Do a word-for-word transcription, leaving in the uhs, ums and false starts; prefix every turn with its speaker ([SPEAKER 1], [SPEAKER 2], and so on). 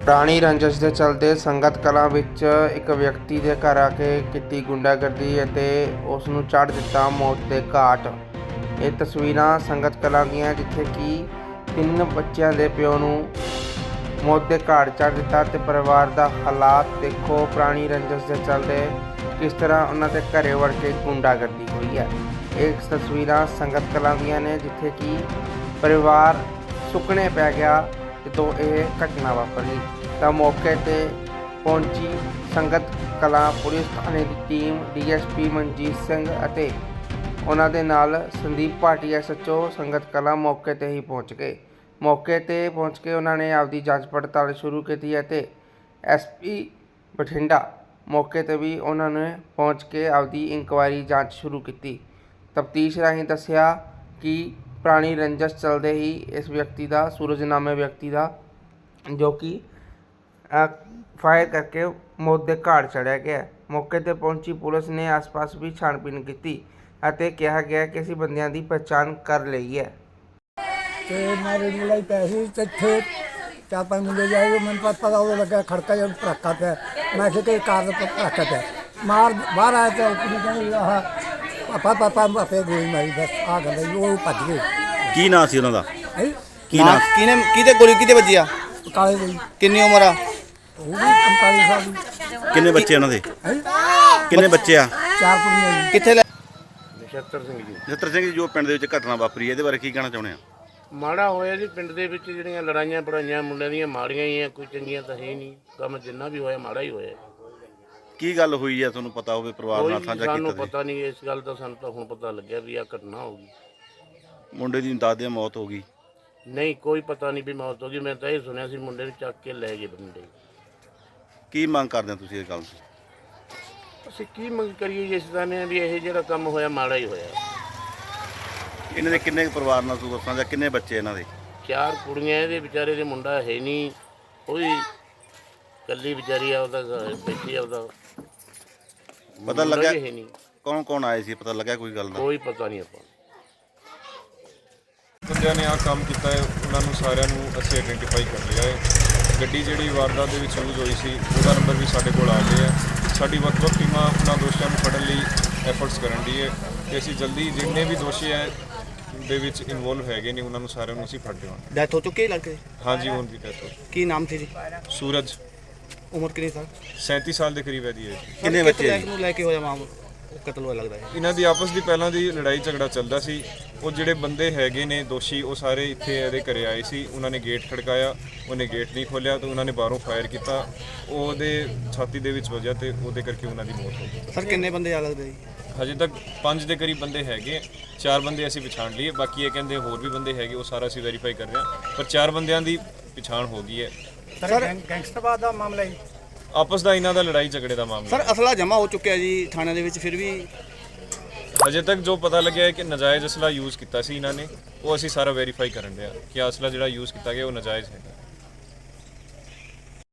[SPEAKER 1] ਪੁਰਾਣੀ ਰੰਜਿਸ਼ ਦੇ ਚਲਦੇ ਸੰਗਤ ਕਲਾਂ ਵਿੱਚ ਇੱਕ ਵਿਅਕਤੀ ਦੇ ਘਰ ਆ ਕੇ ਕੀਤੀ ਗੁੰਡਾਗਰਦੀ ਅਤੇ ਉਸ ਨੂੰ ਚੜ੍ਹ ਦਿੱਤਾ ਮੌਤ ਦੇ ਘਾਟ। ਇਹ ਤਸਵੀਰਾਂ ਸੰਗਤ ਕਲਾਂ ਦੀਆਂ ਜਿੱਥੇ ਕਿ ਤਿੰਨ ਬੱਚਿਆਂ ਦੇ ਪਿਓ ਨੂੰ ਮੌਤ ਦੇ ਘਾਟ ਚੜ੍ਹ ਦਿੱਤਾ ਤੇ ਪਰਿਵਾਰ ਦਾ ਹਾਲਾਤ ਦੇਖੋ। ਪੁਰਾਣੀ ਰੰਜਿਸ਼ ਦੇ ਚਲਦੇ ਕਿਸ ਤਰ੍ਹਾਂ ਉਹਨਾਂ ਦੇ ਘਰੇ ਵੜ ਕੇ ਗੁੰਡਾਗਰਦੀ ਹੋਈ ਹੈ। ਇਹ ਤਸਵੀਰਾਂ ਸੰਗਤ ਕਲਾਂ ਦੀਆਂ ਨੇ ਜਿੱਥੇ ਕਿ ਪਰਿਵਾਰ ਸੁੱਕਣੇ ਪੈ ਗਿਆ ਜਦੋਂ ਇਹ ਘਟਨਾ ਵਾਪਰੀ। ਤਾਂ ਮੌਕੇ 'ਤੇ ਪਹੁੰਚੀ ਸੰਗਤ ਕਲਾਂ ਪੁਲਿਸ ਥਾਣੇ ਦੀ team, D S P Manjit Singh ਅਤੇ ਉਹਨਾਂ ਦੇ ਨਾਲ Sandeep Bhati S H O Sangat Kalan ਮੌਕੇ 'ਤੇ ਹੀ ਪਹੁੰਚ ਗਏ। ਮੌਕੇ 'ਤੇ ਪਹੁੰਚ ਕੇ ਉਹਨਾਂ ਨੇ ਆਪਦੀ ਜਾਂਚ ਪੜਤਾਲ ਸ਼ੁਰੂ ਕੀਤੀ ਅਤੇ ਐਸ ਪੀ ਬਠਿੰਡਾ ਮੌਕੇ 'ਤੇ ਵੀ ਉਹਨਾਂ ਨੇ ਪਹੁੰਚ ਕੇ ਆਪਦੀ ਇਨਕੁਆਇਰੀ ਜਾਂਚ ਸ਼ੁਰੂ ਕੀਤੀ। ਤਫਤੀਸ਼ ਰਾਹੀਂ ਦੱਸਿਆ ਕਿ ਪੁਰਾਣੀ ਰੰਜਿਸ਼ ਚੱਲਦੇ ਹੀ ਇਸ ਵਿਅਕਤੀ ਦਾ, ਸੂਰਜ ਨਾਮੇ ਵਿਅਕਤੀ ਦਾ, ਜੋ ਕਿ ਫਾਇਰ ਕਰਕੇ ਮੌਤ ਦੇ ਘਾਟ ਚੜ੍ਹਿਆ ਗਿਆ। ਮੌਕੇ 'ਤੇ ਪਹੁੰਚੀ ਪੁਲਿਸ ਨੇ ਆਸ-ਪਾਸ ਵੀ ਛਾਣਬੀਣ ਕੀਤੀ ਅਤੇ ਕਿਹਾ ਗਿਆ ਕਿ ਅਸੀਂ ਬੰਦਿਆਂ ਦੀ ਪਛਾਣ ਕਰ ਲਈ ਹੈ।
[SPEAKER 2] ਤੇ ਮੈਂ ਰੇੜੀ ਲਈ ਪੈਸੇ ਇੱਥੇ ਚਾਰ ਪੰਜ ਮੁੰਡੇ ਜਾਏ, ਮੈਨੂੰ ਪਤਾ ਪਤਾ ਉਹ ਲੱਗਾ ਖੜਕਾ ਜਿਹਾ ਭੜਕਾ ਪਿਆ। ਮੈਂ ਕਿਹਾ ਕਿ ਕਾਰ ਦਾ ਭੜਕਾ ਪਿਆ, ਮਾਰ ਬਾਹਰ ਆਇਆ ਤਾਂ ਕੁੜੀ ਕਹਿੰਦੀ ਆਹ ਪਾਪਾ ਪਾਪਾ ਆਪੇ ਗੋਲੀ ਮਾਰੀ, ਬਸ ਆ ਗੱਲ ਉਹ ਭੱਜ ਗਏ।
[SPEAKER 3] ਕੀ ਨਾਂ ਸੀ ਉਹਨਾਂ ਦਾ?
[SPEAKER 2] ਹੈ
[SPEAKER 3] ਕੀ ਨਾਂ?
[SPEAKER 4] ਕਿਹਨੇ ਕਿਹਦੇ ਗੋਲੀ ਕਿਹਦੇ ਵੱਜੀ ਆ?
[SPEAKER 2] ਕਾਲੇ ਗੋਲੀ।
[SPEAKER 4] ਕਿੰਨੀ ਉਮਰ ਆ?
[SPEAKER 2] ਉਹ ਵੀ ਪੰਤਾਲੀ ਸਾਲ ਦੀ।
[SPEAKER 3] ਕਿੰਨੇ ਬੱਚੇ ਉਹਨਾਂ ਦੇ?
[SPEAKER 2] ਹੈ
[SPEAKER 3] ਕਿੰਨੇ ਬੱਚੇ ਆ?
[SPEAKER 2] ਚਾਰ ਕੁੜੀਆਂ ਜੀ।
[SPEAKER 4] ਕਿੱਥੇ ਲੈ?
[SPEAKER 1] ਨਛੱਤਰ ਸਿੰਘ ਜੀ।
[SPEAKER 3] ਨਛੱਤਰ ਸਿੰਘ ਜੀ, ਜੋ ਪਿੰਡ ਦੇ ਵਿੱਚ ਘਟਨਾ ਵਾਪਰੀ ਹੈ ਇਹਦੇ ਬਾਰੇ ਕੀ ਕਹਿਣਾ ਚਾਹੁੰਦੇ ਆ?
[SPEAKER 1] ਮਾੜਾ ਹੋਇਆ ਜੀ, ਪਿੰਡ ਦੇ ਵਿੱਚ ਜਿਹੜੀਆਂ ਲੜਾਈਆਂ ਪੜਾਈਆਂ ਮੁੰਡਿਆਂ ਦੀਆਂ ਮਾੜੀਆਂ ਹੀ ਆ, ਕੋਈ ਚੰਗੀਆਂ ਤਾਂ ਹੈ ਨਹੀਂ। ਕੰਮ ਜਿੰਨਾ ਵੀ ਹੋਇਆ ਮਾੜਾ ਹੀ ਹੋਇਆ।
[SPEAKER 3] ਕੀ ਗੱਲ ਹੋਈ ਹੈ ਤੁਹਾਨੂੰ ਪਤਾ ਹੋਵੇ? ਪਰਿਵਾਰ ਨਾਲ ਸਾਂਝਾ ਕੀਤਾ?
[SPEAKER 1] ਸਾਨੂੰ ਪਤਾ ਨਹੀਂ ਇਸ ਗੱਲ ਦਾ, ਸਾਨੂੰ ਤਾਂ ਹੁਣ ਪਤਾ ਲੱਗਿਆ ਵੀ ਆ ਘਟਨਾ ਹੋ ਗਈ।
[SPEAKER 3] ਮੁੰਡੇ ਦੀ ਦਾਦੇ ਦੀ ਮੌਤ ਹੋ ਗਈ?
[SPEAKER 1] ਨਹੀਂ, ਕੋਈ ਪਤਾ ਨਹੀਂ ਵੀ ਮੌਤ ਹੋ ਗਈ। ਮੈਂ ਤਾਂ ਇਹ ਸੁਣਿਆ ਸੀ ਮੁੰਡੇ ਨੂੰ ਚੱਕ ਕੇ ਲੈ ਗਏ ਬੰਦੇ।
[SPEAKER 3] ਕੀ ਮੰਗ ਕਰਦੇ ਹੋ ਤੁਸੀਂ ਇਸ ਗੱਲ ਤੋਂ?
[SPEAKER 1] ਅਸੀਂ ਕੀ ਮੰਗ ਕਰੀਏ ਜਿਸ ਦਾ ਨੇ ਵੀ ਇਹ ਜਿਹੜਾ ਕੰਮ ਹੋਇਆ ਮਾੜਾ ਹੀ ਹੋਇਆ।
[SPEAKER 3] ਇਹਨਾਂ ਦੇ ਕਿੰਨੇ ਕੁ ਪਰਿਵਾਰ ਨਾਲ ਤੁਸੀਂ ਸਾਂਝਾ, ਕਿੰਨੇ ਬੱਚੇ ਇਹਨਾਂ ਦੇ?
[SPEAKER 1] ਚਾਰ ਕੁੜੀਆਂ, ਇਹਦੇ ਵਿਚਾਰੇ ਦੇ ਮੁੰਡਾ ਹੈ ਨਹੀਂ, ਉਹਦੀ ਇਕੱਲੀ ਵਿਚਾਰੀ ਆ, ਉਹਦਾ ਬੈਠੀ ਆ, ਉਹਦਾ
[SPEAKER 3] ਪਤਾ ਲੱਗਾ
[SPEAKER 1] ਹੈ ਨਹੀਂ।
[SPEAKER 3] ਕੌਣ ਕੌਣ ਆਏ ਸੀ? ਪਤਾ ਲੱਗਾ ਕੋਈ ਗੱਲ ਦਾ?
[SPEAKER 1] ਕੋਈ ਪਤਾ ਨਹੀਂ ਆਪਾਂ
[SPEAKER 5] ਬੰਦਿਆਂ ਨੇ ਆਹ ਕੰਮ ਕੀਤਾ ਹੈ, ਉਹਨਾਂ ਨੂੰ ਸਾਰਿਆਂ ਨੂੰ ਅਸੀਂ ਆਇਡੈਂਟੀਫਾਈ ਕਰ ਲਿਆ ਹੈ। ਗੱਡੀ ਜਿਹੜੀ ਵਾਰਦਾਤ ਦੇ ਵਿੱਚ ਯੂਜ਼ ਹੋਈ ਸੀ ਉਹਦਾ ਨੰਬਰ ਵੀ ਸਾਡੇ ਕੋਲ ਆ ਗਿਆ ਹੈ। ਸਾਡੀ ਵੱਖ-ਵੱਖ ਟੀਮਾਂ ਉਹਨਾਂ ਦੋਸ਼ੀਆਂ ਨੂੰ ਫੜਨ ਲਈ ਐਫਰਟਸ ਕਰਨ ਦੀ ਹੈ ਤੇ ਅਸੀਂ ਜਲਦੀ ਜਿੰਨੇ ਵੀ ਦੋਸ਼ੀ ਹੈ ਦੇ ਵਿੱਚ ਇਨਵੋਲਵ ਹੈਗੇ ਨੇ ਉਹਨਾਂ ਨੂੰ ਸਾਰਿਆਂ ਨੂੰ ਅਸੀਂ ਫੜ ਦੇਵਾਂਗੇ।
[SPEAKER 4] ਡੈਥ ਹੋ ਚੁੱਕੀ ਲੜਕੇ?
[SPEAKER 5] ਹਾਂਜੀ, ਹੁਣ ਦੀ ਡੈਥ ਹੋ।
[SPEAKER 4] ਕੀ ਨਾਮ ਸੀ ਜੀ?
[SPEAKER 5] ਸੂਰਜ,
[SPEAKER 4] ਉਮਰ ਕਿੰਨੀ ਸਾਲ?
[SPEAKER 5] ਸੈਂਤੀ ਸਾਲ ਦੇ ਕਰੀਬ ਹੈ ਜੀ।
[SPEAKER 3] ਕਿੰਨੇ ਬੱਚੇ ਜੀ?
[SPEAKER 4] ਨੂੰ ਲੈ ਕੇ ਹੋਇਆ ਮਾਮਲਾ ਕਤਲ ਹੋਇਆ ਲੱਗਦਾ ਹੈ?
[SPEAKER 5] ਇਹਨਾਂ ਦੀ ਆਪਸ ਦੀ ਪਹਿਲਾਂ ਦੀ ਲੜਾਈ ਝਗੜਾ ਚੱਲਦਾ ਸੀ। ਉਹ ਜਿਹੜੇ ਬੰਦੇ ਹੈਗੇ ਨੇ ਦੋਸ਼ੀ, ਉਹ ਸਾਰੇ ਇੱਥੇ ਇਹਦੇ ਘਰੇ ਆਏ ਸੀ। ਉਹਨਾਂ ਨੇ ਗੇਟ ਖੜਕਾਇਆ, ਉਹਨੇ ਗੇਟ ਨਹੀਂ ਖੋਲ੍ਹਿਆ ਤਾਂ ਉਹਨਾਂ ਨੇ ਬਾਹਰੋਂ ਫਾਇਰ ਕੀਤਾ, ਉਹਦੇ ਛਾਤੀ ਦੇ ਵਿੱਚ ਵੱਜਿਆ ਤੇ ਉਹਦੇ ਕਰਕੇ ਉਹਨਾਂ ਦੀ ਮੌਤ ਹੋ ਗਈ।
[SPEAKER 4] ਸਰ ਕਿੰਨੇ ਬੰਦੇ ਆ ਲੱਗਦੇ ਜੀ?
[SPEAKER 5] ਹਜੇ ਤੱਕ ਪੰਜ ਦੇ ਕਰੀਬ ਬੰਦੇ ਹੈਗੇ। ਚਾਰ ਬੰਦੇ ਅਸੀਂ ਪਛਾਣ ਲਈਏ, ਬਾਕੀ ਇਹ ਕਹਿੰਦੇ ਹੋਰ ਵੀ ਬੰਦੇ ਹੈਗੇ, ਉਹ ਸਾਰਾ ਅਸੀਂ ਵੈਰੀਫਾਈ ਕਰ ਰਹੇ ਹਾਂ, ਪਰ ਚਾਰ ਬੰਦਿਆਂ ਦੀ ਪਛਾਣ ਹੋ ਗਈ ਹੈ।
[SPEAKER 2] ਸਰ ਗੈਂਗਸਟਰਵਾਦ ਦਾ ਮਾਮਲਾ ਹੈ,
[SPEAKER 5] ਆਪਸ ਦਾ ਇਹਨਾਂ ਦਾ ਲੜਾਈ ਝਗੜੇ ਦਾ ਮਾਮਲਾ।
[SPEAKER 4] ਸਰ ਅਸਲਾ ਜਮ੍ਹਾਂ ਹੋ ਚੁੱਕਿਆ ਜੀ ਥਾਣੇ ਦੇ ਵਿੱਚ, ਫਿਰ ਵੀ
[SPEAKER 5] ਹਜੇ ਤੱਕ ਜੋ ਪਤਾ ਲੱਗਿਆ ਹੈ ਕਿ ਨਜਾਇਜ਼ ਅਸਲਾ ਯੂਜ਼ ਕੀਤਾ ਸੀ ਇਹਨਾਂ ਨੇ, ਉਹ ਅਸੀਂ ਸਾਰਾ ਵੈਰੀਫਾਈ ਕਰਨ ਰਹੇ ਹਾਂ ਕਿ ਅਸਲਾ ਜਿਹੜਾ ਯੂਜ਼ ਕੀਤਾ ਗਿਆ ਉਹ ਨਜਾਇਜ਼ ਹੈ।